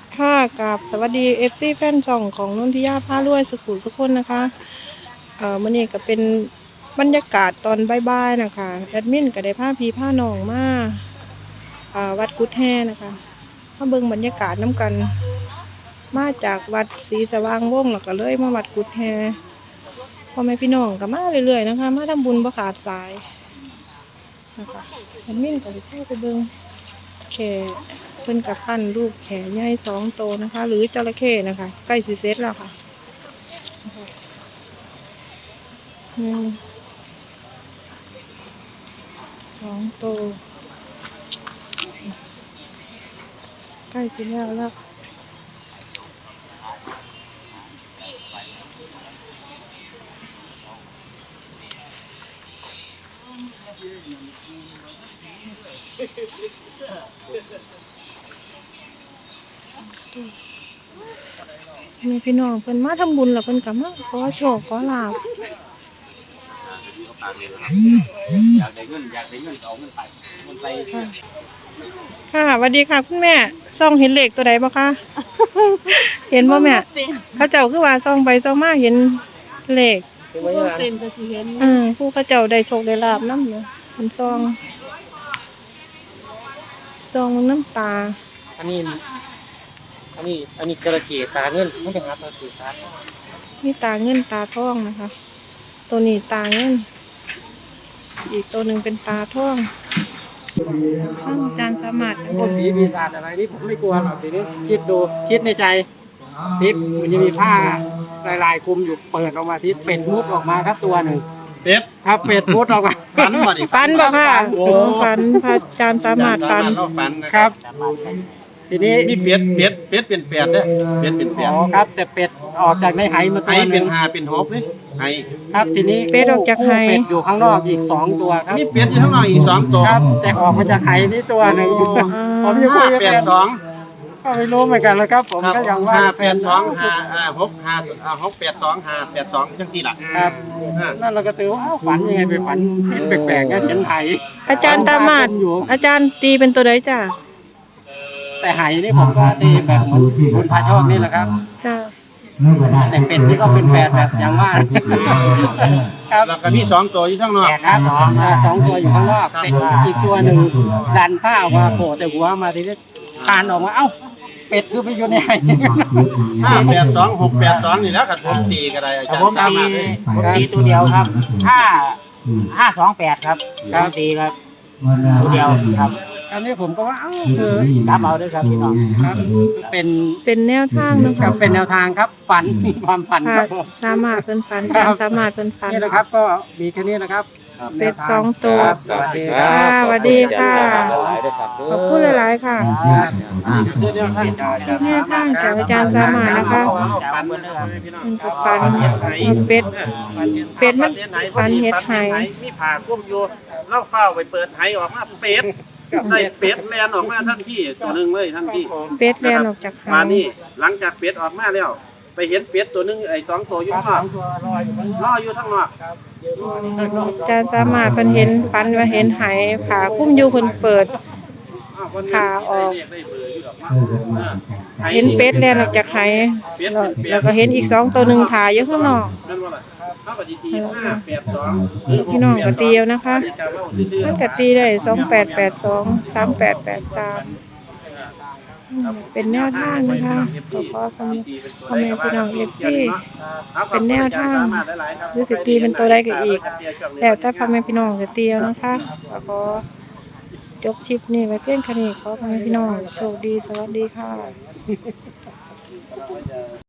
ค่ะกับสวัสดีFCแฟนช่องของนนทิยาผ้ารวยสุขุสุขคนนะคะมื้อนี้ก็เป็นบรรยากาศตอนบ่ายๆนะคะแอดมินก็ได้พาพี่พาน้องมาวัดกุดแฮนะคะมาเบิ่งบรรยากาศน้ำกันมาจากวัดศรีสว่างวงศ์แล้วก็เลยมาวัดกุดแฮพ่อแม่พี่น้องก็มาเรื่อยๆนะคะมาทำบุญบ่ขาดสายนะคะแอดมินก็ได้เข้าไปเบิ่งแขเพิ่นกับพันลูกแขใหญ่2 โตนะคะ หรือจระเข้นะคะใกล้สิเสร็จแล้วค่ะ2 โตใกล้สิแล้วมีพี่น้องเพิ่นมาทำบุญแล้วเพิ่นก็มาขอโชคขอลาภอยากได้เงินเอาเงินไปค่ะสวัสดีค่ะคุณแม่ส่องเห็นเลขตัวใดบ่คะเห็นบ่แม่เขาเจ้าคือว่าส่องไปส่องมาเห็นเลขเป็นก็สิเห็นผู้เขาเจ้าได้โชคได้ลาภนำอยู่เพิ่นส่องน้ำตาอันนี้กระเจี๊ยตาเงินไม่เป็นครับกระเจี๊ยตามีตาเงินตาทองนะคะตัวนี้ตาเงินอีกตัวหนึ่งเป็นตาทองอาจารย์สามารถพวกผีปีศาจอะไรนี่ผมไม่กลัวหรอกทีนี้คิดในใจทิศมันจะมีผ้าลายคลุมอยู่เปิดออกมาทิศเป็ดมุดออกมาครับตัวหนึ่งเป็ดครับเป็ดมุดออกมาฟันบ่ดิฟันบ่ค่ะฟันพระอาจารย์สามารถฟันครับทีนี้มีเป็ดเป็นแปดเด้อเป็ดเป็นแปดครับแต่เป็ดออกจากในไหมาตัวนึงเป็น5เป็น6นี่ไหครับทีนี้เป็ดออกจากไหเป็ดอยู่ข้างนอกอีก2ตัวครับมีเป็ดอยู่ข้างนอกอีก2ตัวครับแต่ออกมาจากไหนี่ตัวนึงผมยังคุยกับ 82 ก็ไม่รู้เหมือนกันแล้วครับผมก็ยังว่า 582 582จังซี่ล่ะครับนั่นเราก็ตือว่าฝันยังไงไปฝันเห็นแปลกๆกันเห็นไหอาจารย์ตามาดอาจารย์ตีเป็นตัวใดจ้ะแต่ไหนี่ผมก็ตีแบบเหมือนคุณพาโชคนี่แหละครับจ้าแต่เป็ดนี่ก็เป็นแปดแบบอย่างว่าครับแล้วก็มี2ตัวอยู่ข้างนอกครับ2ตัวอยู่ข้างนอกแต่อีกตัวหนึ่งดันผ้าออกมาโผล่แต่หัวมาทีนี้คานออกมาเอ้าเป็ดคือไปอยู่ในไห 582 682นี่แล้วกันผมตีก็ได้อาจารย์สามารถเลยผมตีตัวเดียวครับ528ครับตีครับตัวเดียวครับอันนี้ผมก็ว่าคือจับเอาด้วยครับพี่น้องครับเป็นแนวทางนะครับเป็นแนวทางครับฝันความฝันครับสามารถเป็นฝันการสามารถเป็นฝันนี่นะครับก็มีแค่นี้นะครับเป็ด2 ตัวสวัสดีค่ะขอบคุณหลายๆค่ะแนวทางจากอาจารย์สามารถนะคะเป็นฝันเป็ดมันฝันเห็ดไหมีผ่าคุ้มอยู่เล่าเฝ้าไปเปิดไหออกมาเป็ดได้เป็ดแลนออกมาทันทีตัวนึงเลยทันทีเป็ดแลนออกจากมานี่หลังจากเป็ดออกมาแล้วไปเห็นเป็ดตัวนึงไอ้2 ตัวอยู่ข้างนอกรออยู่ข้างนอกอาจารย์สามารถเพิ่นเห็นฝันว่าเห็นไหผ่าคุ้มอยู่เพิ่นเปิดผ่าออกเห็นเป็ดแลนออกจากไหแล้วก็เห็นอีก2 ตัวนึงผ่าอยู่ข้างนอกพี่น้องก็ตีเอานะคะมันก็ตีได้2882 3883เป็นแนวทางนะคะขอพ่อแม่พี่น้องFCเป็นแนวทางหรือสิตีเป็นตัวใดก็อีกแล้วถ้าพ่อแม่พี่น้องจะตีเอานะคะขอจบคลิปนี้ไว้เพียงแค่นี้ขอพ่อแม่พี่น้องโชคดีสวัสดีค่ะ